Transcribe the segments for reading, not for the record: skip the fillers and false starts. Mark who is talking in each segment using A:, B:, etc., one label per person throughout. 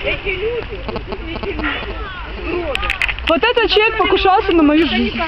A: Вот этот человек покушался на мою жизнь.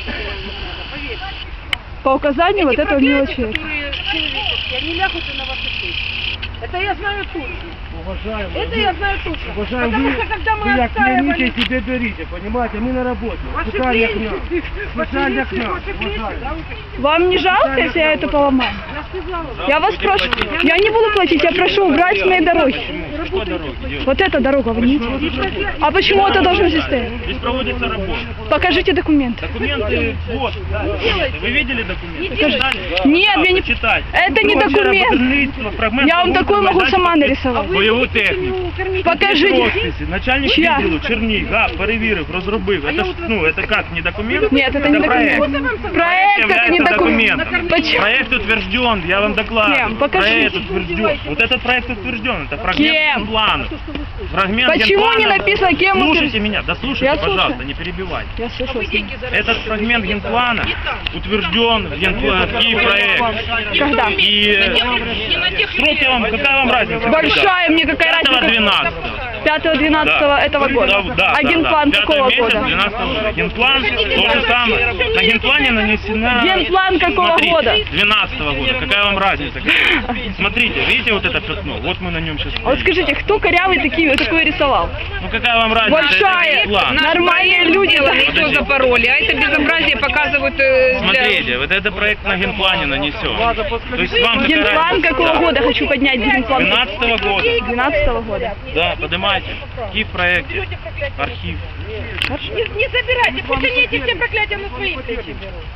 A: По указанию вот этого милого человека.
B: Они лягут на ваши шеи. Это я знаю точно.
C: Уважаемые,
B: это я знаю точно.
C: Уважаемые,
B: потому что когда мы
C: вы
B: отстаивали...
C: себе берите, понимаете, мы на работе. Специально к нам. Специально к нам.
A: Вам не жалко, если я это поломаю? Я вас прошу, я не буду платить, я прошу убрать с моей дороги. Вот эта дорога, вы видите? А почему это должно здесь стоять?
D: Здесь проводится работа.
A: Покажите документы.
D: Документы, вот. Вы видели документы?
A: Нет, я не... Это не документ. Я вам такой могу сама нарисовать.
D: Бойову техніку.
A: Покажите.
D: Начальник відділу Черній, перевірив, розробив. Это ж, ну, это как, не документ?
A: Нет, это не документ. Проект это не документ.
D: Проект утвержден, я вам докладываю.
A: Кем? Покажите.
D: Проект утвержден. Вот этот проект утвержден, это фрагмент генплана. Фрагмент
A: Почему
D: генплана.
A: не написано, кем
D: Слушайте меня, дослушайте,
A: Я
D: пожалуйста,
A: слушаю.
D: не перебивайте.
A: Я слышу.
D: Этот фрагмент генплана утвержден в Киевпроект.
A: Когда?
D: И срок я вам, какая вам разница?
A: Большая мне какая разница. 5-12 этого года. А генплан какого года?
D: 12 года. Генплан то же самое. На генплане нанесена...
A: Генплан какого
D: Смотрите,
A: года?
D: 12 года. Какая вам разница? Смотрите, видите вот это пятно? Вот мы на нем сейчас
A: Вот скажите, кто корявый такой рисовал?
D: Ну какая вам разница?
A: Большая, нормальные люди.
B: Все запороли, а это безобразие показывают...
D: Смотрите, вот это проект на генплане нанесен. То есть вам
A: Генплан какого года? Хочу поднять генплан.
D: 12 года.
A: 12 года.
D: Да, поднимайте. Киев проекте. Архив.
B: Не забирайте, потяните все проклятия на свои плечи.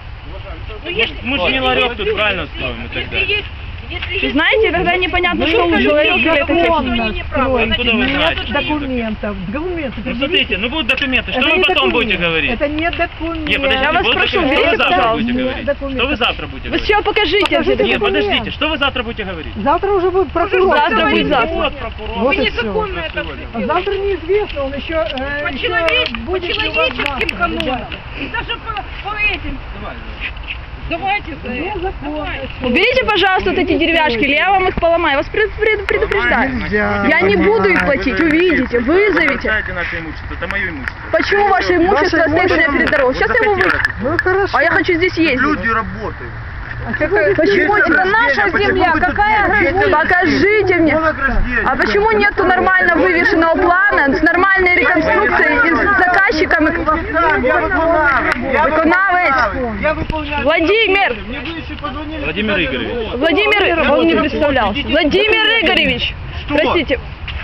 D: Мы же не ларек тут правильно строим и так далее.
A: Знаете, тогда непонятно, что вы человек или это техника.
D: Откуда вы знаете?
E: Документов.
D: Ну смотрите, ну будут документы. Что вы потом будете говорить?
E: Это не документ.
D: Не, подождите,
A: Я вас
D: будут
A: прошу,
D: документы. Что вы
A: берите,
D: завтра
A: пожалуйста.
D: будете говорить?
E: Документы.
D: Что вы завтра будете
A: Вы
D: говорить?
A: все покажите.
E: Покажите.
D: Нет,
E: документы.
D: подождите, что вы завтра будете говорить?
E: Завтра уже будет прокурор.
A: Завтра будет завтра.
D: Вот прокурор.
E: Вот и
B: Незаконно
E: все.
B: это
E: А завтра неизвестно, он еще...
B: по человеческим канонам. И даже по этим. Давайте за это.
A: Уберите, пожалуйста, вот эти деревяшки, или я вам их поломаю. Я вас предупреждаю.
E: Нельзя.
A: Я не буду их платить, увидите, вызовите.
D: Наше имущество, это мое имущество.
A: Почему ваше имущество стоит у меня перед дорогой? Сейчас я его выкину.
E: Ну хорошо.
A: А я хочу здесь ездить.
F: Люди работают.
A: Почему это наша земля? Какая разница? Покажите мне. А почему нету нормально вывешенного плана с нормальной реконструкцией и с заказчиками?
F: Я выполняю.
A: Владимир!
D: Владимир Игоревич.
A: Владимир, он не представлялся. Владимир Игоревич! Простите.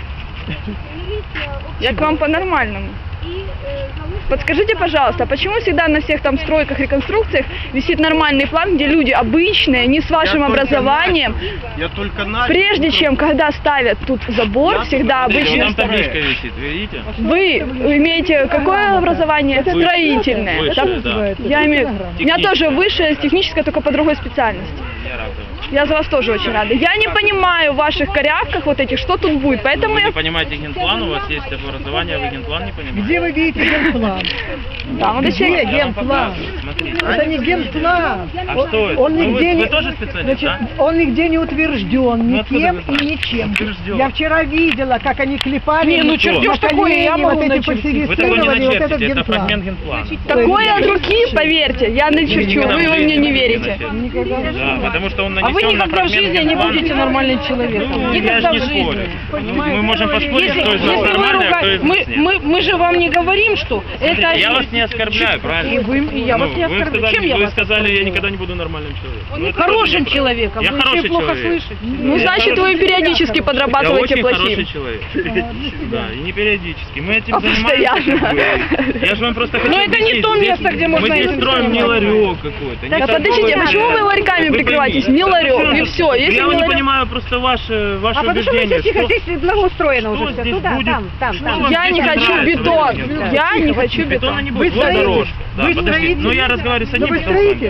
A: Я к вам по-нормальному. Подскажите, пожалуйста, почему всегда на всех там стройках, реконструкциях висит нормальный план, где люди обычные, не с вашим образованием?
F: Я только начал.
A: Прежде чем, когда ставят тут забор, всегда
D: Вот
A: обычно...
D: там табличка висит, видите?
A: Вы имеете какое образование? Строительное.
D: Высшее,
A: да?
D: да.
A: Я имею... У меня тоже высшее, техническое, только по другой специальности.
D: Я рад.
A: Я за вас тоже очень рада. Я не понимаю в ваших корявках вот этих, что тут будет, поэтому
D: Вы
A: я...
D: не понимаете генплан, у вас есть образование, вы генплан не понимаете?
E: Где вы видите генплан?
A: Да, вот
E: Где
A: человек...
E: генплан?
D: Смотрите.
E: Это не генплан.
D: А что это?
E: Он
D: Ну,
E: нигде
D: вы
E: не...
D: тоже специалист,
E: Значит,
D: да?
E: он нигде не утвержден
D: Ну, откуда
E: никем
D: вы
E: и
D: знаете?
E: ничем.
D: Утвержден.
E: Я вчера видела, как они клепали.
D: Не, ну чертеж
E: такое, я могу вот эти
D: Вы такой не
E: фальсифицировали, вот этот
D: начертите, это
E: генплан.
D: фрагмент генплана.
A: Такое от руки, поверьте, я начерчу,
D: Никогда в
A: вы во
D: жизни
A: мне не
D: такое
A: верите.
D: начертите. Да, потому что он нанесен
B: А вы
D: на
B: никогда в
D: фрагмент
B: жизни не
D: генплана.
B: будете нормальным человеком.
D: Ну, я
B: Никогда
D: же не
B: в жизни.
D: спорю. Мы можем поспорить, кто из нас
B: Если вы
D: нормальный, а кто из нас нет.
B: мы же вам не говорим, что это...
D: Я вас не оскорбляю, правильно?
B: И я вас не
D: вы
B: оскорбляю. Чем я
D: вы
B: вас
D: сказали, я никогда не буду нормальным человеком. Ну, это
B: Хорошим
D: тоже
B: человеком.
D: Я
B: Вы
D: хороший
B: очень плохо
D: человек.
B: слышите.
A: Ну, значит, вы периодически
D: Я
A: подрабатываете
D: очень
A: плохим.
D: хороший человек. Да, и не периодически. Мы этим
A: А
D: занимаемся.
A: постоянно.
D: как бы. Я же вам просто хочу
B: Но это не
D: объяснить,
B: то
D: здесь
B: место, где можно
D: мы здесь
B: этим
D: строим не
B: заниматься.
D: ларек какой-то. не
A: Так, подождите,
D: торговый
A: почему вы
D: центр.
A: ларьками
D: Вы
A: прикрываетесь?
D: поймите.
A: Не ларек, и все. Если
D: Я
A: не
D: не
A: ларек...
D: понимаю просто ваше
E: потому что
D: убеждение.
E: здесь благоустроено
D: что
E: уже все.
D: здесь
E: Туда,
D: будет?
E: там.
D: Что вам
A: Я
D: здесь
A: не хочу
D: нравится в
A: бетон.
D: этом месте?
A: Я не хочу
D: Бетона
A: бетон.
D: не будет,
E: Вы
D: вот
E: строитель?
D: дорожка. Да,
E: Вы
D: подождите,
E: строитель?
D: ну я разговариваю с одним,
E: Вы
D: потом с вами.
E: строитель?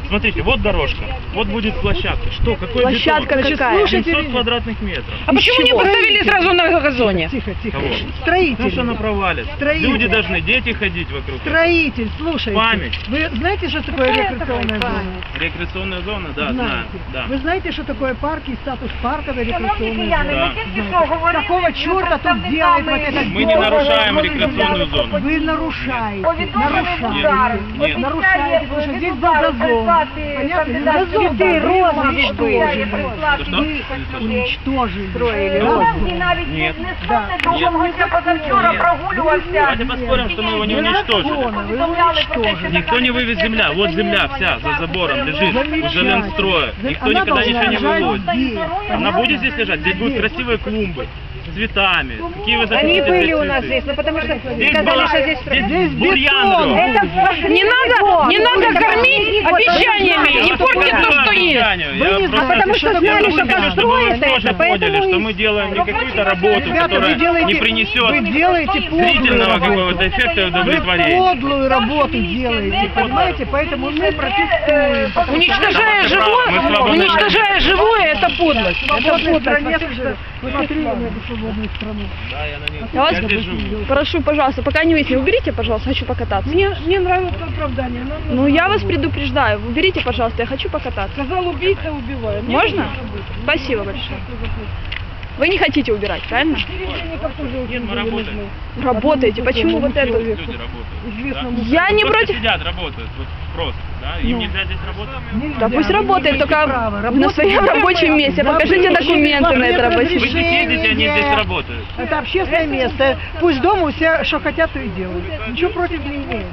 D: Смотрите, вот дорожка, вот будет площадка. Что, какой
A: Площадка
D: бетон?
A: какая?
D: 700 квадратных метров.
B: А почему не поставили сразу на газоне?
E: Тихо, тихо.
D: Кого? Ну что
E: Строитель.
D: она провалит?
E: Строитель.
D: Люди должны, дети ходить вокруг.
E: Строитель, слушайте.
D: Память.
E: Вы знаете, что такое рекреационная зона?
D: Рекреационная зона, да, знаю.
E: Знаете.
D: Да.
E: Вы знаете, что такое парки и статус парковой рекреационной
D: Да.
E: зоны? Какого черта тут делает вот этот
D: Мы не нарушаем рекреационную зону.
E: Вы нарушаете.
D: Нет, нет.
E: Нарушаете, потому что здесь был газон. Понятно? Газон,
B: Цветы, розы,
E: уничтожили.
D: Что?
E: Вы уничтожили.
D: Нет.
B: Позавчора прогулювався.
D: Давайте поспорим, что мы его не уничтожили.
E: Вы уничтожили.
D: Никто не вывез земля. Вот земля вся за забором лежит у Жиленстроя. Никто
E: Она
D: никогда
E: должна
D: ничего не
E: лежать
D: вывозит.
E: здесь.
D: Она будет здесь лежать? Здесь будут красивые клумбы с цветами. Какие вы захотите
B: Они были
D: здесь
B: у нас
D: цветы?
B: здесь, но потому что
D: Здесь
B: сказали,
D: была-
B: что здесь...
D: здесь бурьян рос.
A: Не надо кормить обещаниями, не портить то, что есть.
B: потому что знали, что построят
D: мы тоже
B: это,
D: поняли,
B: поэтому
D: что
B: и-
D: мы делаем не какую-то работу,
E: Ребята,
D: которая
E: вы делаете,
D: не
E: вы
D: принесет
E: делаете подлую
D: зрительного
E: работу.
D: какого-то эффекта и
E: Вы
D: удовлетворения.
E: подлую работу делаете, понимаете? Поэтому мы протестуем.
A: Уничтожая
D: Мы
A: живое,
D: свободны.
A: уничтожая живое, это подлость.
E: Это в стране, посмотри на эту свободную страну.
D: Да, я на ней.
A: Я вас
D: Я держу.
A: прошу, пожалуйста, пока не выяснили, уберите, пожалуйста, хочу покататься.
E: Мне нравится оправдание.
A: Ну, я вас предупреждаю, уберите, пожалуйста, я хочу покататься.
E: Сказал убийца, убиваю.
A: Можно? Спасибо большое. Вы не хотите убирать, правильно?
D: Нет, мы работаем.
A: Работаете, почему вот это?
D: Люди работают. Да?
A: Я не
D: Просто
A: против.
D: сидят, работают. Вот просто. Да? Им нельзя здесь работать.
A: Да пусть работает, только на своем рабочем месте. Покажите документы на это рабочее
D: Вы
A: место.
D: здесь ездите, они здесь работают.
E: Это общественное место. Пусть дома у себя что хотят, то и делают. Ничего против не имеют.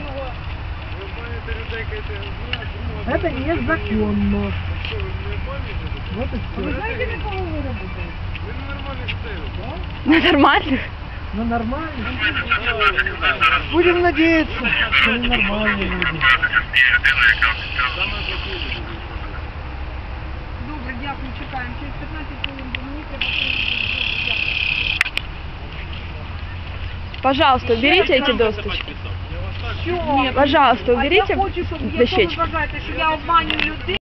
E: Это незаконно. Вот и все.
A: На нормальных?
E: Ну нормально. Будем надеяться, что они нормальные люди.
B: Добре, дякую, чекаємо. Через 15 хвилин до мені треба...
A: Пожалуйста, уберите эти досточки. Пожалуйста, уберите
B: Я хочу, щоб
A: дощечки.
B: ви вважаєте, що я обманюю людей.